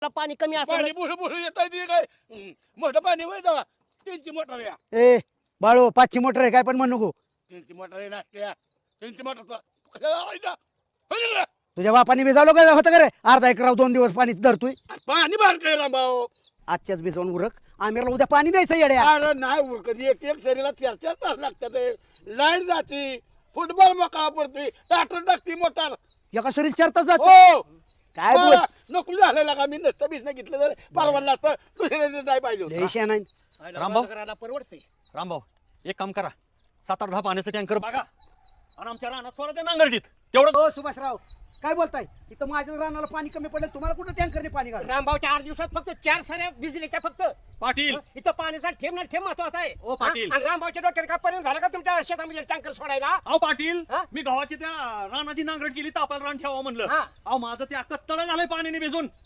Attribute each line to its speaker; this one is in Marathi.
Speaker 1: आपला पाणी कमी
Speaker 2: पाणी
Speaker 1: असतं
Speaker 2: बुडू बुडू येत आहे काय मोठं पाणी होय जावा त्यांची मोटर या
Speaker 3: ए बाळू 5ची मोटर आहे काय पण म्हणू नको.
Speaker 2: त्यांची मोटर आहे नासत्या त्यांची मोटर
Speaker 3: तुझ्या बापाने भिजावलं काय होतं का रे अर्धा एकराव 2 दिवस पाणी धरतोय.
Speaker 2: पाणी बाहेर काय रामभाऊ
Speaker 3: आजच्याच भिजवून उरक आमिरला उद्या पाणी द्यायचं येड्या.
Speaker 2: अरे नाही उरकत एक एक शरीराला 4-4 तास लागतात लाईट जाते फुटबॉल मोकळा पडतोय टाटर टाकते मोटर
Speaker 3: एका शरीर 4 तास जात
Speaker 2: हो
Speaker 3: काय बोल
Speaker 2: नको झालेला का मी नसतं बिसनं घेतलं तर परवडलं असतं दुसऱ्या नाही पाहिजे होतं.
Speaker 3: देशा नाही.
Speaker 4: रामभाऊ.
Speaker 1: करायला परवडते
Speaker 4: रामभाऊ एक काम करा 7-8 पाण्याचं टँकर बघा आणि आमच्या रानात सोडा त्या नांगरटीत तेवढं.
Speaker 3: हो सुभाषराव काय बोलताय इथं माझ्या रानाला पाणी कमी पडलं तुम्हाला कुठं टँकरने पाणी घाल.
Speaker 1: रामभाऊच्या 8 दिवसात फक्त 4 साऱ्या भिजलीच्या फक्त
Speaker 4: पाटील
Speaker 1: इथं पाण्याचा ठेम ना ठेम महत्वाचा आहे.
Speaker 4: ओ, पाटील.
Speaker 1: आणि रामभाऊच्या डोक्यात काय परिणाम झाला का तुमच्या शेतामध्ये टँकर सोडायला?
Speaker 4: अहो पाटील
Speaker 1: हा?
Speaker 4: मी गव्हाची त्या रानाची नांगरट केली तापाला रान ठेवा म्हणलं.
Speaker 1: हा.
Speaker 4: अहो माझं ते अख्खं तळ झालंय पाण्याने भिजून